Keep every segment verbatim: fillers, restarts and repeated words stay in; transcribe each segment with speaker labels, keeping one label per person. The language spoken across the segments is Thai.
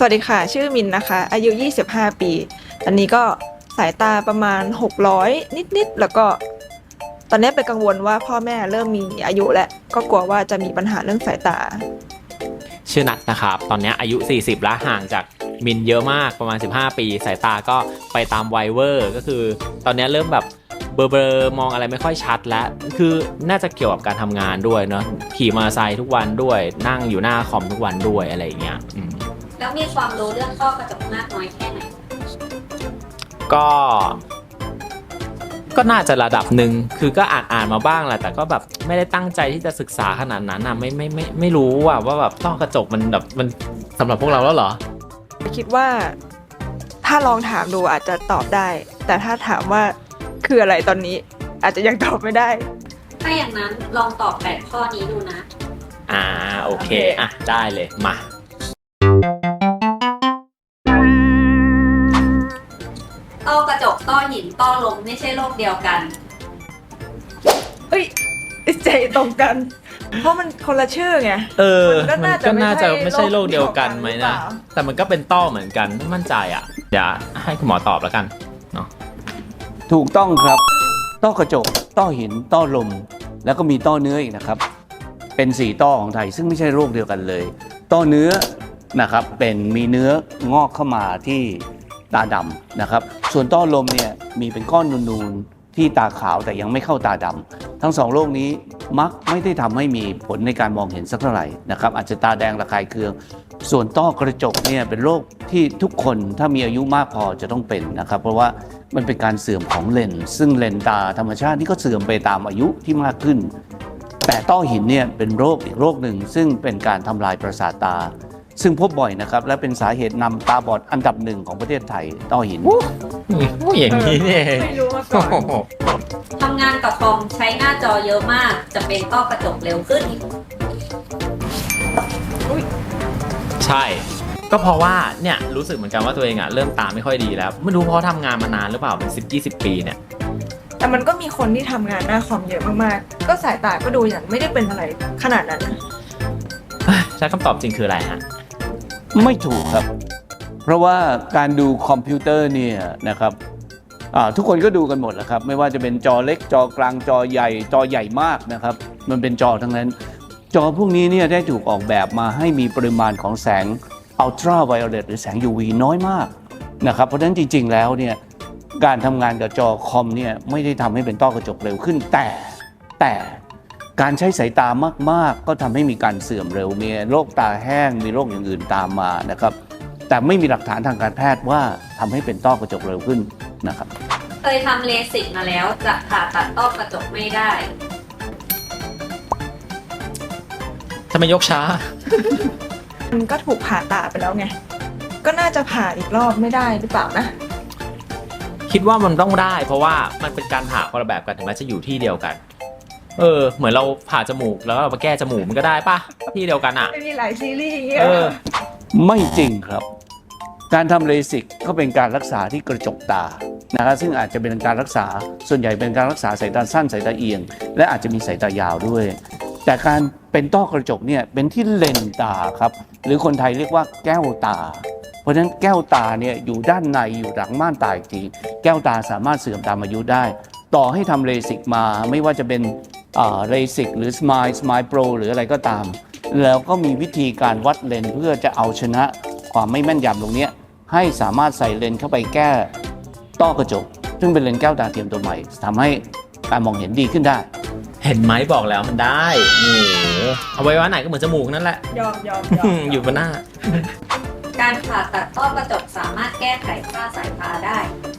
Speaker 1: สวัสดีค่ะชื่อมินนะคะอายุยี่สิบห้าปีตอนนี้ก็สายตาประมาณหกร้อยนิดๆแล้วก็ตอนนี้เป็นกังวลว่าพ่อแม่เริ่มมีอายุแล้วก็กลัวว่าจะมีปัญหาเรื่องสายตา
Speaker 2: ชื่อนัทนะครับตอนนี้อายุสี่สิบแล้วห่างจากมินเยอะมากประมาณสิบห้าปีสายตาก็ไปตามวัยเวอร์ก็คือตอนนี้เริ่มแบบเบลอๆมองอะไรไม่ค่อยชัดแล้วคือน่าจะเกี่ยวกับการทำงานด้วยเนาะขี่มอเตอร์ไซค์ทุกวันด้วยนั่งอยู่หน้าคอมทุกวันด้วยอะไรอย่างเงี้ย
Speaker 3: แล้วมีความรู้เรื่องต้อกระจกมากน้อยแค่ไหน
Speaker 2: ก็ก็น่าจะระดับหนึ่งคือก็อ่านอ่านมาบ้างแหละแต่ก็แบบไม่ได้ตั้งใจที่จะศึกษาขนาดนั้นอ่ะไม่ไม่ไม่ไม่รู้ว่าว่าแบบต้อกระจกมันแบบมันสำหรับพวกเราแล้วเหรอ
Speaker 1: คิดว่าถ้าลองถามดูอาจจะตอบได้แต่ถ้าถามว่าคืออะไรตอนนี้อาจจะยังตอบไม่ได้
Speaker 3: ถ้าอย่างนั้นลองตอบแปดข้อนี้ดูนะ
Speaker 2: อ่าโอเคอ่ะได้เลยมา
Speaker 3: ต้อกระจกต้อหินต้อลมไม่ใช่โรคเดียวกัน
Speaker 1: เอ้ยใจตรงกันเพราะมันคนละชื่อไง
Speaker 2: เออมันก็น่าจะไม่ใช่โรคเดียวกันไหมนะแต่มันก็เป็นต้อเหมือนกันไม่มั่นใจอ่ะเดี๋ยวให้คุณหมอตอบแล้วกันเนาะ
Speaker 4: ถูกต้องครับต้อกระจกต้อหินต้อลมแล้วก็มีต้อเนื้ออีกนะครับเป็นสี่ต้อของไทยซึ่งไม่ใช่โรคเดียวกันเลยต้อเนื้อนะครับเป็นมีเนื้องอกเข้ามาที่ตาดำนะครับส่วนต้อลมเนี่ยมีเป็นก้อนนูนๆที่ตาขาวแต่ยังไม่เข้าตาดำทั้งสองโรคนี้มักไม่ได้ทำให้มีผลในการมองเห็นสักเท่าไหร่นะครับอาจจะตาแดงระคายเคืองส่วนต้อกระจกเนี่ยเป็นโรคที่ทุกคนถ้ามีอายุมากพอจะต้องเป็นนะครับเพราะว่ามันเป็นการเสื่อมของเลนส์ซึ่งเลนส์ตาธรรมชาตินี่ก็เสื่อมไปตามอายุที่มากขึ้นแต่ต้อหินเนี่ยเป็นโรคอีกโรคหนึ่งซึ่งเป็นการทำลายประสาทตาซึ่งพบบ่อยนะครับและเป็นสาเหตุนำตาบอดอันดับหนึ่งของประเทศไทยต้อหิน
Speaker 2: อย่างนี้เนี่ย
Speaker 1: ไม่รู้มาก่อน
Speaker 3: ทำงานกับคอมใช้หน้าจอเยอะมากจะเป็นต้อกระจกเร็วขึ้น
Speaker 2: ใช่ก็เพราะว่าเนี่ยรู้สึกเหมือนกันว่าตัวเองอ่ะเริ่มตาไม่ค่อยดีแล้วไม่รู้เพราะทำงานมานานหรือเปล่าเป็นสิบยี่สิบปีเนี่ย
Speaker 1: แต่มันก็มีคนที่ทำงานหน้าคอมเยอะมากๆก็สายตาก็ดูอย่างไม่ได้เป็นอะไรขนาดนั้น
Speaker 2: ใช่คำตอบจริงคืออะไรฮะ
Speaker 4: ไม่ถูกครับเพราะว่าการดูคอมพิวเตอร์เนี่ยนะครับทุกคนก็ดูกันหมดแหละครับไม่ว่าจะเป็นจอเล็กจอกลางจอใหญ่จอใหญ่มากนะครับมันเป็นจอทั้งนั้นจอพวกนี้เนี่ยได้ถูกออกแบบมาให้มีปริมาณของแสงอัลตราไวโอเลตหรือแสง ยู วี น้อยมากนะครับเพราะฉะนั้นจริงๆแล้วเนี่ยการทำงานกับจอคอมเนี่ยไม่ได้ทำให้เป็นต้อกระจกเร็วขึ้นแต่แต่การใช้สายตามากๆก็ทำให้มีการเสื่อมเร็วมีโรคตาแห้งมีโรคอย่างอื่นตามมานะครับแต่ไม่มีหลักฐานทางการแพทย์ว่าทำให้เป็นต้อกระจกเร็วขึ้นนะครับ
Speaker 3: เคยทำเลสิกมาแล้วจะผ่าตัดต้อกระจกไม่ได้
Speaker 2: ทำไมยกช้า
Speaker 1: มันก็ถูกผ่าตาไปแล้วไงก็น่าจะผ่าอีกรอบไม่ได้หรือเปล่านะ
Speaker 2: คิดว่ามันต้องได้เพราะว่ามันเป็นการผ่าคนละแบบกันถึงแม้จะอยู่ที่เดียวกันเออเหมือนเราผ่าจมูกแล้วเราไปแก้จมูกมันก็ได้ป่ะที่เดียวกันอ่ะ
Speaker 1: ไม่มีหลายซีรีส์อย่างเงี้ย
Speaker 4: ไม่จริงครับการทำเลสิกก็เป็นการรักษาที่กระจกตานะครับซึ่งอาจจะเป็นการรักษาส่วนใหญ่เป็นการรักษาสายตาสั้นสายตาเอียงและอาจจะมีสายตายาวด้วยแต่การเป็นต้อกระจกเนี่ยเป็นที่เลนตาครับหรือคนไทยเรียกว่าแก้วตาเพราะฉะนั้นแก้วตาเนี่ยอยู่ด้านในอยู่หลังม่านตาอีกทีแก้วตาสามารถเสื่อมตามอายุได้ต่อให้ทำเลสิกมาไม่ว่าจะเป็นเลสิกหรือสมายสมายโปรหรืออะไรก็ตามแล้วก็มีวิธีการวัดเลนเพื่อจะเอาชนะความไม่แม่นยำตรงนี้ให้สามารถใส่เลนเข้าไปแก้ต้อกระจกซึ่งเป็นเลนแก้วตาเทียมตัวใหม่ทำให้การมองเห็นดีขึ้นได้
Speaker 2: เห็นไหมบอกแล้วมันได้โอ้โหเอาไว้ว่าไหนก็เหมือนจมูกนั่นแหละ
Speaker 1: ยอมยอมยอม
Speaker 2: อยู่บนหน้า
Speaker 3: การผ่าตัดต้อกระจกสามารถแก้ไขค่าสายตาได้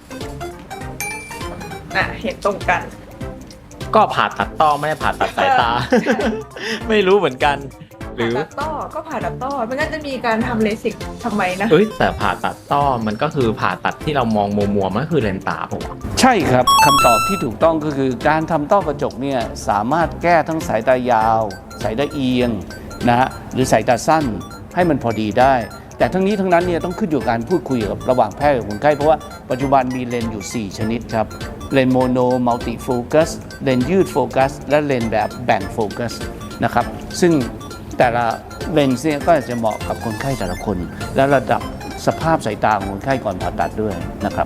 Speaker 1: อ่ะเห็นตรงกัน
Speaker 2: ก็ผ่าตัดต้อไม่ได้ผ่าตัดสายตาไม่รู้เหมือนกันหรือ
Speaker 1: ผ่าตัดต้อก็ผ่าตัดต้อมันก็จะมีการทำเลสิกทำไมนะ
Speaker 2: เอ้ยแต่ผ่าตัดต้อมันก็คือผ่าตัดที่เรามองมัวๆมันก็คือเลนตาผม
Speaker 4: ใช่ครับคำตอบที่ถูกต้องก็คือการทำต้อกระจกเนี่ยสามารถแก้ทั้งสายตายาวสายตาเอียงนะฮะหรือสายตาสั้นให้มันพอดีได้แต่ทั้งนี้ทั้งนั้นเนี่ยต้องขึ้นอยู่กับการพูดคุยกับระหว่างแพทย์กับคนไข้เพราะว่าปัจจุบันมีเลนส์อยู่สี่ชนิดครับเลนส์โมโนมัลติโฟกัสเลนส์ยืดโฟกัสและเลนส์แบบแบ่งโฟกัสนะครับซึ่งแต่ละเลนส์เนี่ยก็จะเหมาะกับคนไข้แต่ละคน และระดับสภาพสายตาของคนไข้ก่อนผ่าตัดด้วยนะครับ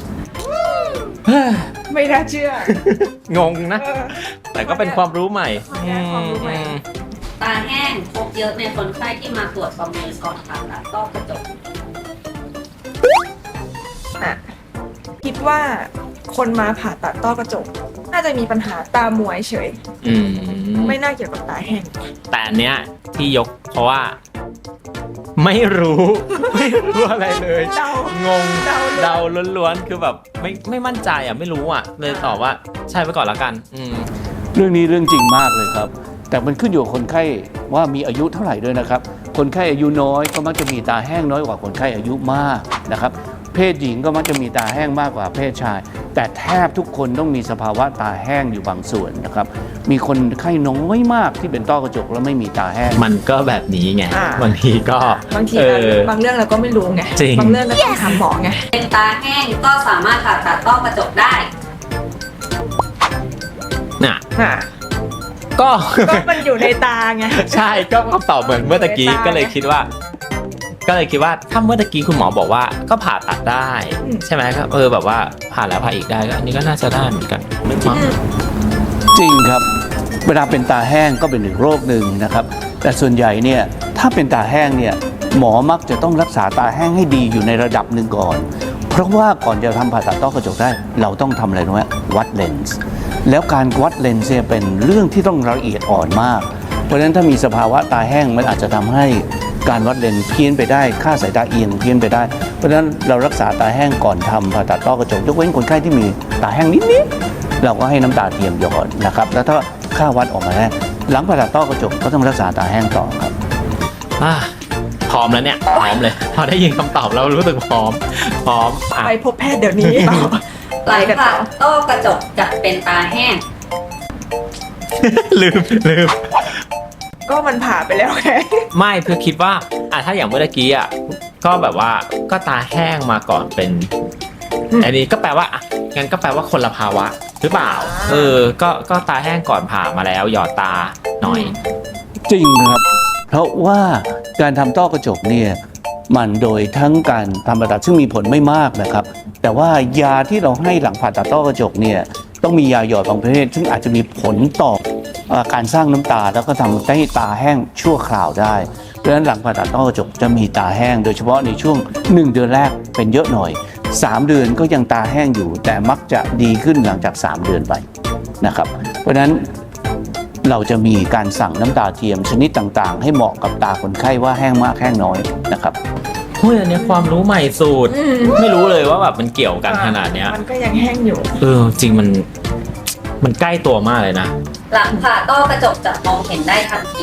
Speaker 1: ไม่น่าเชื่อ
Speaker 2: งงนะ
Speaker 1: เออ
Speaker 2: แต่ก็เป็นความรู้ใหม่
Speaker 1: ความรู้ใหม่
Speaker 2: อืม
Speaker 3: ตาแห้งพบเยอะในคนไข้ที่มาตรวจประเมินก่อนผ่าตัดต้อกระจก
Speaker 1: อ่ะคิดว่าคนมาผ่าตัดต้อกระจก น่าจะมีปัญหาตาหมวยเฉย
Speaker 2: อืม
Speaker 1: ไม่น่าเกี่ยวกับตาแห้ง
Speaker 2: แต่อันเนี้ยที่ยกเพราะว่า ไม่รู้ ไม่รู้อะไรเลย
Speaker 1: เดาง
Speaker 2: ง
Speaker 1: เดา
Speaker 2: เดาล้วนๆคือแบบไม่ไม่มั่นใจอ่ะไม่รู้อ่ะ เลยตอบว่าใช่ไปก่อนละกัน อืม
Speaker 4: เรื่องนี้เรื่องจริงมากเลยครับ แต่มันขึ้นอยู่กับคนไข้ว่ามีอายุเท่าไหร่ด้วยนะครับ คนไข้อายุน้อยก็มักจะมีตาแห้งน้อยกว่าคนไข้อายุมากนะครับ เพศหญิงก็มักจะมีตาแห้งมากกว่าเพศชาย แต่แทบทุกคนต้องมีสภาวะตาแห้งอยู่บางส่วนนะครับ มีคนไข้น้อยมากที่เป็นต้อกระจกแล้วไม่มีตาแห้ง
Speaker 2: มันก็แบบนี้ไง
Speaker 1: อ่า
Speaker 2: บางทีก็
Speaker 1: บางที
Speaker 2: เออ
Speaker 1: บางเรื่องเราก็ไม่รู้ไง
Speaker 2: จริง
Speaker 1: บางเรื่องก็ต้องถามหมอไง
Speaker 3: เป็นตาแห้งก็สามารถผ่าตัดต้อกระจกได้
Speaker 2: น่ะ
Speaker 1: อ่ะ
Speaker 2: ก็
Speaker 1: ก็มันอยู่ในตาไง
Speaker 2: ใช่ก็คำตอบเหมือนเมื่อตะกี้
Speaker 1: ในตา
Speaker 2: ก็เลยคิดว่า ก็เลยคิดว่าถ้าเมื่อตะกี้คุณหมอบอกว่าก็ผ่าตัดได้
Speaker 1: อืม
Speaker 2: ใช่ไหมครับเออแบบว่าผ่าแล้วผ่าอีกได้ก็อันนี้ก็น่าจะได้เหมือนกันไม่มั้ง
Speaker 4: จริงครับ เวลาเป็นตาแห้งก็เป็นอีกโรคหนึ่งนะครับ แต่ส่วนใหญ่เนี่ยถ้าเป็นตาแห้งเนี่ยหมอมักจะต้องรักษาตาแห้งให้ดีอยู่ในระดับหนึ่งก่อน เพราะว่าก่อนจะทำผ่าตัดต้อกระจกได้ เราต้องทำอะไรรู้ไหมวัดเลนส์แล้วการวัดเลนส์เนี่ยเป็นเรื่องที่ต้องละเอียดอ่อนมาก เพราะฉะนั้นถ้ามีสภาวะตาแห้งมันอาจจะทำให้การวัดเลนส์เพี้ยนไปได้ค่าสายตาเอียงเพี้ยนไปได้ เพราะฉะนั้นเรารักษาตาแห้งก่อนทำผ่าตัดต้อกระจกยกเว้นคนไข้ที่มีตาแห้งนิดๆเราก็ให้น้ำตาเทียมหยอดนะครับแล้วถ้าค่าวัดออกมาแล้วหลังผ่าตัดต้อกระจกก็ต้องรักษาตาแห้งต่อครับ
Speaker 2: อ่ะพร้อมแล้วเนี่ยพร้อมเลย พอได้ยินคำตอบแล้วรู้สึกพร้อม พร้อมอ่ะ
Speaker 1: ไปพบแพทย์เดี๋ยวนี้
Speaker 3: หลังผ่าต้อกระจกจะเป็นตาแห้ง
Speaker 2: ลืมลืม
Speaker 1: ก็มันผ่าไปแล้วไง
Speaker 2: ไม่เพื่อคิดว่าอ่ะถ้าอย่างเมื่อกี้อ่ะก็แบบว่าก็ตาแห้งมาก่อนเป็น
Speaker 1: อืม
Speaker 2: อันนี้ก็แปลว่าอ่ะงั้นก็แปลว่าคนละภาวะหรือเปล่า
Speaker 1: อ่า
Speaker 2: เออก็ก็ตาแห้งก่อนผ่ามาแล้วหยอดตาหน่อย
Speaker 4: จริงนะครับ เพราะว่าการทำต้อกระจกเนี่ยมันโดยทั้งการทำผ่าตัดซึ่งมีผลไม่มากนะครับ แต่ว่ายาที่เราให้หลังผ่าตัดต้อกระจกเนี่ยต้องมียาหยอดบางประเภทซึ่งอาจจะมีผลต่อเอ่อการสร้างน้ำตาแล้วก็ทำให้ตาแห้งชั่วคราวได้ เพราะฉะนั้นหลังผ่าตัดต้อกระจกจะมีตาแห้ง โดยเฉพาะในช่วงหนึ่งเดือนแรกเป็นเยอะหน่อยสามเดือนก็ยังตาแห้งอยู่ แต่มักจะดีขึ้นหลังจากสามเดือนไปนะครับ เพราะฉะนั้นเราจะมีการสั่งน้ำตาเทียมชนิดต่างๆ ให้เหมาะกับตาคนไข้ว่าแห้งมากแห้งน้อยนะครับ
Speaker 2: เฮ้ยอันนี้ความรู้ใหม่สุด
Speaker 1: อืม
Speaker 2: ไม่รู้เลยว่าแบบมันเกี่ยวกันขนาดเนี้ย
Speaker 1: มันก็ยังแห้งอยู่
Speaker 2: เออจริงมันมันใกล้ตัวมากเลยนะ
Speaker 3: หลังผ่าต้อกระจกจะมองเห็นได้ทันที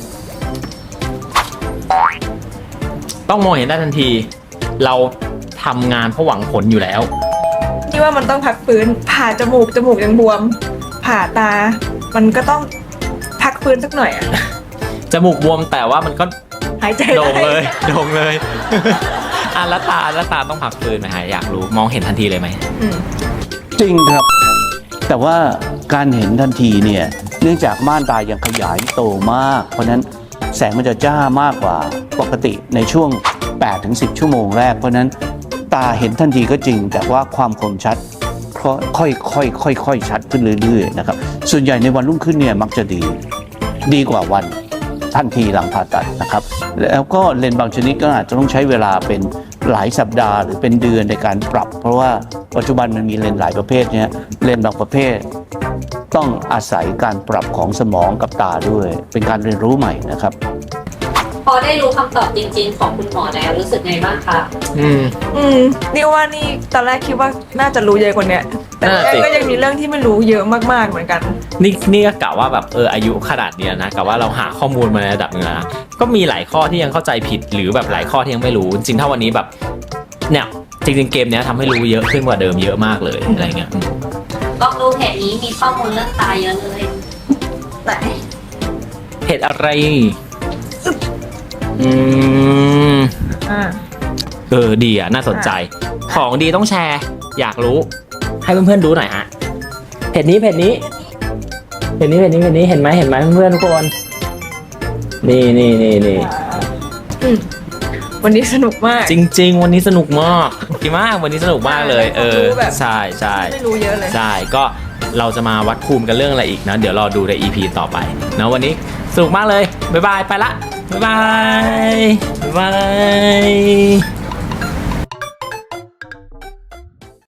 Speaker 2: ต้องมองเห็นได้ทันที เราทำงานเพราะหวังผลอยู่แล้ว
Speaker 1: ที่ว่ามันต้องพักฟื้น ผ่าจมูก จมูกยังบวม ผ่าตา มันก็ต้องพักฟื้นสักหน่อยอะ
Speaker 2: จมูกบวมแต่ว่ามันก็
Speaker 1: หายใจ
Speaker 2: โด่ง
Speaker 1: ได้
Speaker 2: เลย โด่งเลย อ่ะแล้วตาแล้วตาต้องพักฟื้นไหมฮะอยากรู้มองเห็นทันทีเลยไหม
Speaker 1: อืม
Speaker 4: จริงครับ แต่ว่าการเห็นทันทีเนี่ยเนื่องจากม่านตายังขยายโตมาก เพราะฉะนั้นแสงมันจะจ้ามากกว่าปกติในช่วง แปดถึงสิบ ชั่วโมงแรก เพราะฉะนั้นตาเห็นทันทีก็จริง แต่ว่าความคมชัดค่อยๆค่อยๆค่อยๆชัดขึ้นเรื่อยๆนะครับส่วนใหญ่ในวันรุ่งขึ้นเนี่ยมักจะดีดีกว่าวันทันทีหลังผ่าตัดนะครับ แล้วก็เลนส์บางชนิดก็อาจจะต้องใช้เวลาเป็นหลายสัปดาห์หรือเป็นเดือนในการปรับ เพราะว่าปัจจุบันมันมีเลนส์หลายประเภทเนี่ยเลนส์บางประเภท ต้องอาศัยการปรับของสมองกับตาด้วย เป็นการเรียนรู้ใหม่นะครับ
Speaker 3: พอได้รู้คำตอบจริงๆ ของคุณหมอแล้วรู้สึกไงบ้างคะ
Speaker 2: อืม
Speaker 1: อืมนี่ว่านี่ตอนแรกคิดว่าน่าจะรู้เยอะกว่าเนี้ยแต่
Speaker 2: น่าสิ
Speaker 1: ก็ยังมีเรื่องที่ไม่รู้เยอะมากๆเหมือนกัน
Speaker 2: นี่นี่ก็กะว่าแบบเอออายุขนาดเนี้ยนะกะว่าเราหาข้อมูลมาในระดับหนึงแล้วนะก็มีหลายข้อที่ยังเข้าใจผิดหรือแบบหลายข้อที่ยังไม่รู้ จริงๆถ้าวันนี้แบบเนี่ยจริงๆเกมเนี้ยทำให้รู้เยอะขึ้นกว่าเดิมเยอะมากเลยอะไรเงี้ยอืม
Speaker 3: ลองดูเพจนี้มีข้อมูลเรื่องตาเยอะเลย
Speaker 1: แต่
Speaker 2: เพจอะไรอืม
Speaker 1: อ่า
Speaker 2: เออดีอ่ะน่าสนใจ ของดีต้องแชร์ อยากรู้ ให้เพื่อนๆดูหน่อยฮะเพจนี้เพจนี้เพจนี้เพจนี้เพจนี้เห็นไหมเห็นไหมเพื่อนๆทุกคนนี่นี่นี่นี่
Speaker 1: อืมวันนี้สนุกมาก
Speaker 2: จริง ๆ วันนี้สนุกมากดีมากวันนี้สนุกมากเลย เออ
Speaker 1: รู้แบบ
Speaker 2: ใช่ใช่
Speaker 1: ไม่รู้เยอะเลย
Speaker 2: ใช่ก็เราจะมาวัดภูมิกันเรื่องอะไรอีกนะ เดี๋ยวรอดูใน อี พี ต่อไปนะวันนี้สนุกมากเลย บ๊ายบาย ไปละ บ๊ายบาย บ๊ายบาย